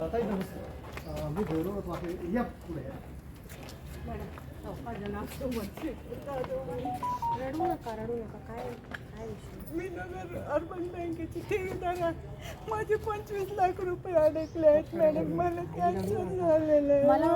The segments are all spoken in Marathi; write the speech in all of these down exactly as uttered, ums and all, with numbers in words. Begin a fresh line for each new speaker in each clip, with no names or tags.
ताई नमस्कार. मी गौरव वाके या पुढे या.
रडू नका रडू नका काय काय विषय
मी नगर अर्बन बँकेची ठेवीदार आहे. माझे पंचवीस लाख रुपये अडकले आहेत मॅडम. मला कॅन्सर झालेलं आहे.
मला-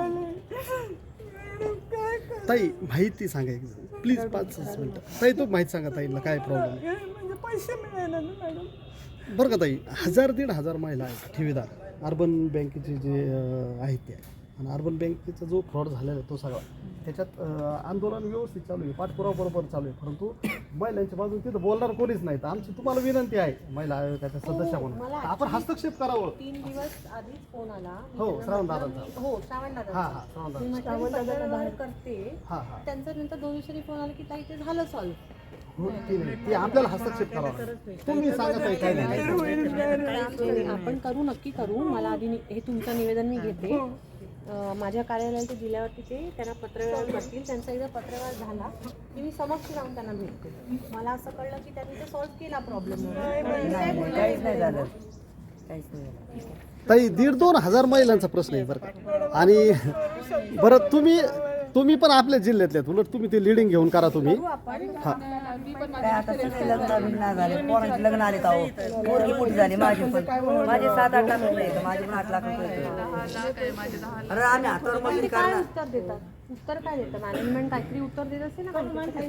मॅडम काय कर
ताई माहिती सांगा एक प्लीज पाच मिनिटं. ताई तो माहिती सांगा ताईला काय प्रॉब्लेम आहे.
म्हणजे पैसे मिळाले ना मॅडम.
बरं का ताई, हजार दीड हजार महिला आहेत ठेवीदार अर्बन बँकेचे जे अं, आहेत ते. आणि अर्बन बँकेचा जो फ्रॉड झालेला आहे तो सगळा त्याच्यात अं, आंदोलन व्यवस्थित चालू आहे, पाठपुरावा बरोबर चालू आहे. परंतु महिलांच्या बाजून तिथं बोलणार कोणीच नाही. तर आमची तुम्हाला विनंती आहे महिला आयोगाच्या सदस्य म्हणून
मला
आपण हस्तक्षेप करावं.
तीन दिवस आधीच फोन आला. मी
हो,
त्यांना
श्रावण
म्हटलं,
दादांचा.
हो श्रावण
हां
दादा
हां श्रावण
मी
दादा.
म्हटलं मी पत्रव्यवहार करते.
हां हां
त्यांचं नंतर दोन दिवसांनी फोन आला की ताई ते झालं सॉल्व्ह.
हो ती नाही ती आपल्याला हस्तक्षेप करावा लागेल. तुम्ही सांगा ताई काय नाही.
आपण करू नक्की करू. मला आधी नि- हे तुमचं निवेदन मी घेते. अं, माझ्या कार्यालयात दिल्यावरती ते त्यांना पत्रव्यवहार करतील. त्यांचा एकदा पत्रव्यवहार झाला की मी समक्ष जाऊन त्यांना भेटते. मला असं कळलं की त्यांनी ते सॉल्व्ह केला प्रॉब्लेम.
काहीच नाही झालं काहीच नाही.
ताई दीड दोन हजार महिलांचा प्रश्न आहे बरं का. आणि बरं तुम्ही तुम्ही पण आपल्या जिल्ह्यातले आहेत. उलट तुम्ही ते लिडिंग घेऊन करा तुम्ही. हां
काय आता सगळे लग्न बिग्न झाले, पोरांचे लग्न आले तर अहो पोरगी मोठी झाली माझी पण. माझे सात आठ लाख रुपये आहेत, माझे पण आठ लाख रुपये आहेत. अरे आम्ही हातावर मजुरी
ते काय
करणार.
उत्तर देतात? उत्तर काय देतं? मॅनेजमेंट काहीतरी उत्तर देत असेल ना.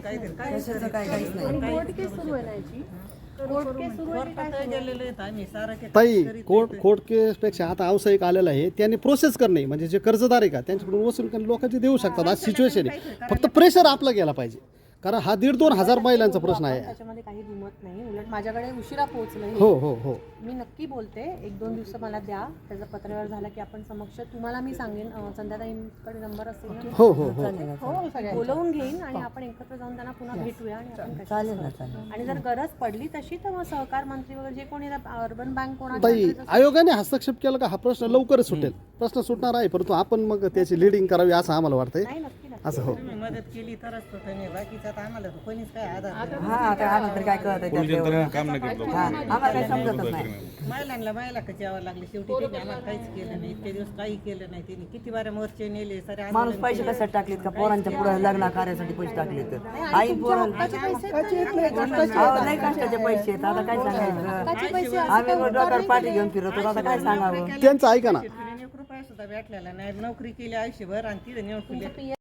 कशाचं काय काहीच नाही.
आणि कोर्ट केस सुरू आहे ना याची. कोर्ट केस सुरू आहे की काय सुरू आहे?
ताई कोर्ट कोर्ट केसपेक्षा आता व्यावसायिक आलेला आहे. त्यांनी प्रोसेस करणे म्हणजे जे कर्जदार आहे का त्यांच्याकडून वसूल करून लोकांचे देऊ शकतात. आज सिच्युएशन आहे. फक्त प्रेशर आपलं गेला पाहिजे. कारण हा दीड दोन हजार महिलांचा प्रश्न आहे.
त्याच्यामध्ये काही दुमत नाही. उलट माझ्याकडे उशिरा पोहोचलं.
हो हो हो
मी नक्की बोलते. एक दोन दिवस मला द्या. त्याचा पत्रव्यवहार झाला की आपण समक्ष तुम्हाला मी सांगेन. अं, संध्याताईंकडे नंबर असेल ना.
हो हो हो
हो सगळ्या बोलवून घेईन आणि आपण एकत्र जाऊन त्यांना पुन्हा भेटूया आणि आपण कशी-
चालेल ना चालेल.
आणि जर गरज पडली तशी तर मग सहकार मंत्री वगैरे जे कोणी अर्बन बँक कोणाच्या
ताई
अंतर्गत असेल-
आयोगाने हस्तक्षेप केला का हा प्रश्न लवकरच सुटेल. प्रश्न सुटणार आहे परंतु आपण मग त्याची लिडिंग करावी असं आम्हाला वाटतंय.
नाही नक्की नक्की.
असं हो
मदत केली तरच तो तुम्ही बाकीचं आता आम्हाला तर कोणीच काय आधार नाही.
हा आता आम्हाला तरी काय कळत आहे
काम नाही केलं
हा आम्हाला काही समजतच नाही.
महिलांना महिला कशी यावं लागली शेवटी त्यांनी आम्हाला काहीच केलं नाही. इतके दिवस काही केलं नाही त्यांनी. किती बाऱ्या मोर्चे नेले सारे
माणूस पैसे कशासाठी टाकलेत का पोरांच्या पुढे लग्न कार्यासाठी पैसे टाकलेत. आई पोरण
हक्काचे पैसे तर-
अहो नाही कष्टाचे पैसे आहेत. आता काय सांगायचं.
हक्काचे पैसे असं
आम्ही डोक्यावर पाठी घेऊन फिरतो आता काय सांगावं.
त्यांचं ऐका ना.
एक रुपया सुद्धा भेटलेला नाही. नोकरी केली आयुष्यभर आणि तिथे नेऊन